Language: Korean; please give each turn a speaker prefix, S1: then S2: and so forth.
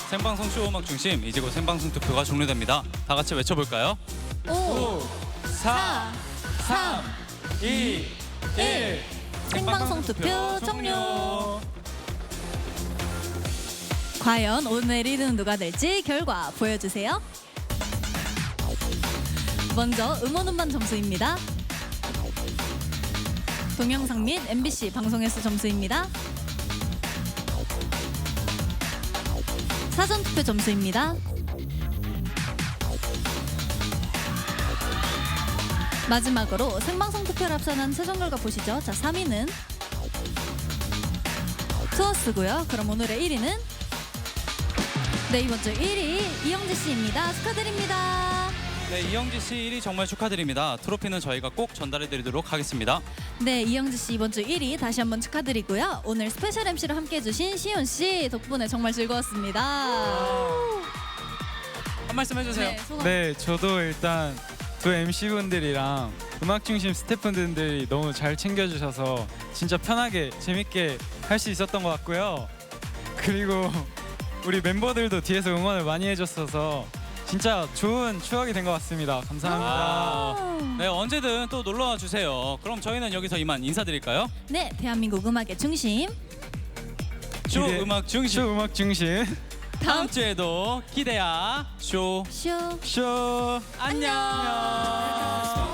S1: 생방송 쇼 음악 중심 이제 곧 생방송 투표가 종료됩니다. 다 같이 외쳐볼까요?
S2: 5, 4, 3, 2, 1. 생방송 투표 종료. 과연 오늘 1위는 누가 될지 결과 보여주세요. 먼저 음원 음반 점수입니다. 동영상 및 MBC 방송 횟수 점수입니다. 사전 투표 점수입니다. 마지막으로 생방송 투표를 합산한 최종 결과 보시죠. 자, 3위는 투어스고요. 그럼 오늘의 1위는 네, 이번 주 1위 이영지 씨입니다. 축하드립니다.
S1: 네, 이영지 씨 1위 정말 축하드립니다. 트로피는 저희가 꼭 전달해드리도록 하겠습니다.
S2: 네, 이영지 씨 이번 주 1위 다시 한번 축하드리고요. 오늘 스페셜 MC를 함께해주신 시온 씨 덕분에 정말 즐거웠습니다.
S1: 한 말씀 해주세요.
S2: 네, 소감.
S3: 네, 저도 일단 두 MC분들이랑 음악 중심 스태프분들이 너무 잘 챙겨주셔서 진짜 편하게 재밌게 할 수 있었던 것 같고요. 그리고 우리 멤버들도 뒤에서 응원을 많이 해줬어서 진짜 좋은 추억이 된 것 같습니다. 감사합니다.
S1: 네, 언제든 또 놀러와 주세요. 그럼 저희는 여기서 이만 인사드릴까요?
S2: 네, 대한민국 음악의 중심
S1: 쇼
S3: 기대-
S1: 음악 중심.
S3: 쇼 음악 중심
S1: 다음 주에도 기대야 쇼.
S2: 쇼.
S3: 쇼
S1: 안녕.